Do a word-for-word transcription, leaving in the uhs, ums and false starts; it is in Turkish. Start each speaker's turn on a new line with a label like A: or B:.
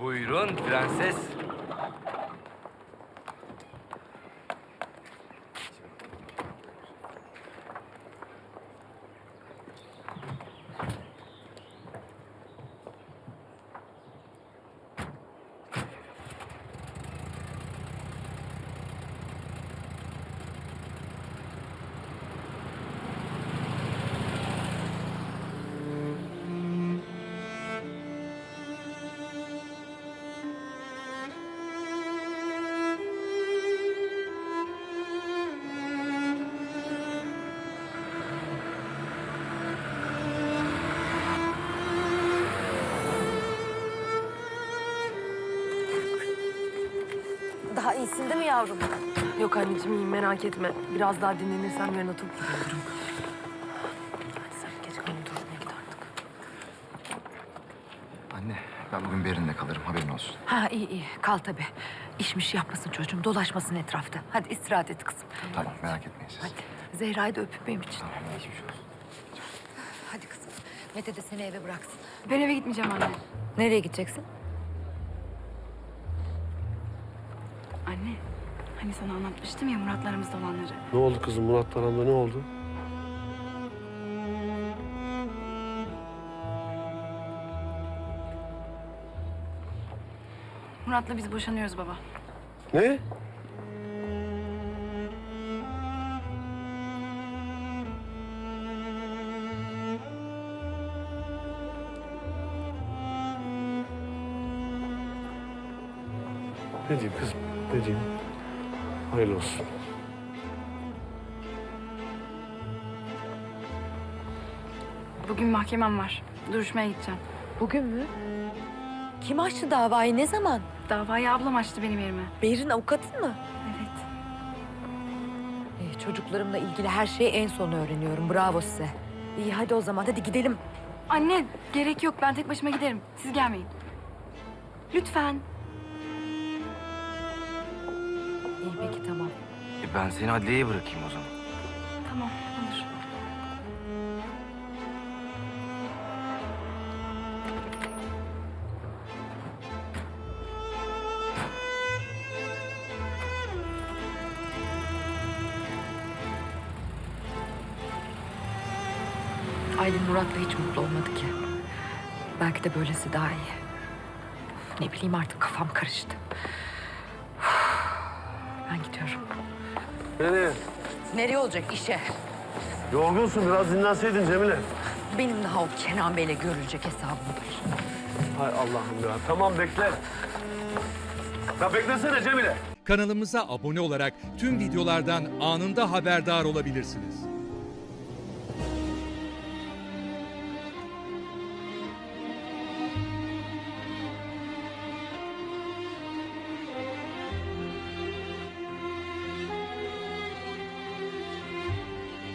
A: Buyurun prenses.
B: Daha iyisin değil mi yavrum?
C: Yok anneciğim iyiyim merak etme. Biraz daha dinlenirsem yarın atıp gidiyorum. Hadi sen geç kalın durmaya git artık.
D: Anne, ben bugün Berin'le kalırım, haberin olsun.
B: Ha iyi iyi kal tabii. İşmiş yapmasın çocuğum, dolaşmasın etrafta. Hadi istirahat et kızım.
D: Tamam, merak etmeyin siz.
B: Hadi Zehra'yı da öpüp benim için.
D: Tamam, geçmiş olsun.
B: Hadi kızım. Mete de seni eve bıraksın.
E: Ben eve gitmeyeceğim anne.
B: Nereye gideceksin?
E: Anne, hani sana anlatmıştım ya Muratlarımızda olanları.
F: Ne oldu kızım? Murat aramda ne oldu?
E: Murat'la biz boşanıyoruz baba.
F: Ne? Ne diyeyim kızım? Ne diyeyim? Hayırlı olsun.
E: Bugün mahkemem var. Duruşmaya gideceğim.
B: Bugün mü? Kim açtı davayı, ne zaman?
E: Davayı ablam açtı benim yerime.
B: Berin avukatın mı?
E: Evet.
B: Ee, çocuklarımla ilgili her şeyi en son öğreniyorum. Bravo size. İyi hadi o zaman, hadi gidelim.
E: Anne, gerek yok. Ben tek başıma giderim. Siz gelmeyin. Lütfen.
B: İyi peki tamam.
A: E ben seni adliyeye bırakayım o zaman.
E: Tamam, olur.
B: Aylin Murat'la hiç mutlu olmadı ki. Belki de böylesi daha iyi. Ne bileyim artık kafam karıştı. Ben gidiyorum.
F: Nereye?
B: Nereye olacak işe?
F: Yorgunsun, biraz dinlenseydin Cemile.
B: Benim daha o Kenan Bey'le görülecek hesabım var.
F: Hay Allah'ım ya. Tamam bekle. Ya beklesene Cemile.
G: Kanalımıza abone olarak tüm videolardan anında haberdar olabilirsiniz.